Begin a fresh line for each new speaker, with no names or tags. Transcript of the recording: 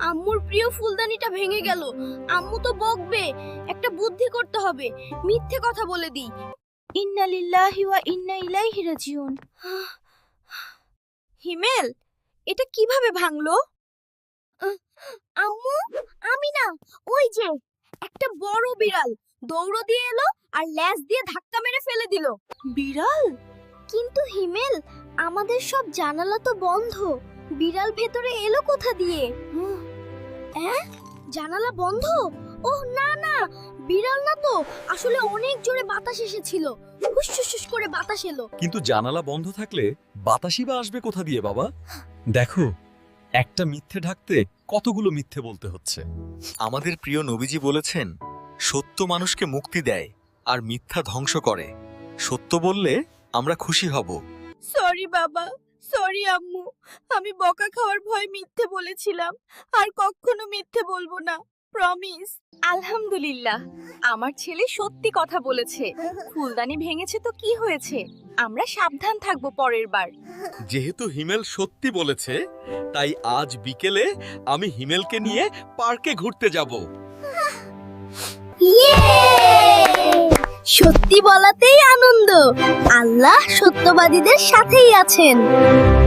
আম্মুর প্রিয় ফুলদানিটা ভেঙে গেল। আম্মু তো বকবে, একটা বুদ্ধি করতে হবে। মিথ্যে কথা বলে দিই। ইন্না লিল্লাহি ওয়া ইন্না ইলাইহি রাজিউন। হিমেল, এটা কিভাবে ভাঙলো? আম্মু, আমি না, ওই যে একটা বড় বিড়াল দৌড় দিয়ে এলো আর ল্যাজ দিয়ে ধাক্কা মেরে ফেলে দিল। বিড়াল? কিন্তু হিমেল, আমাদের সব জানালা তো বন্ধ, বিড়াল ভেতরে এলো কোথা দিয়ে? জানালা বন্ধ? ওহ না না, বিড়াল না তো, আসলে অনেক জোরে বাতাস এসেছিল, হুস করে বাতাস এলো।
কিন্তু জানালা বন্ধ থাকলে বাতাসই বা আসবে কোথা দিয়ে বাবা? দেখো, একটা মিথ্যে ঢাকতে কতগুলো মিথ্যে বলতে হচ্ছে।
আমাদের প্রিয় নবীজি বলেছেন, সত্য মানুষকে মুক্তি দেয় আর মিথ্যা ধ্বংস করে। সত্য বললে আমরা খুশি হব।
সরি বাবা, সরি আম্মু, আমি বকা খাওয়ার ভয় মিথ্যে বলেছিলাম, আর কখনো মিথ্যে বলবো না, প্রমিস। আলহামদুলিল্লাহ, আমার ছেলে সত্যি কথা বলেছে। ফুলদানি ভেঙেছে তো কি হয়েছে, আমরা সাবধান থাকবো পরের বার।
যেহেতু হিমেল সত্যি বলেছে, তাই আজ বিকেলে আমি হিমেলকে নিয়ে পার্কে ঘুরতে যাব।
সত্যি বলাতেই আনন্দ, আল্লাহ সত্যবাদীদের সাথেই আছেন।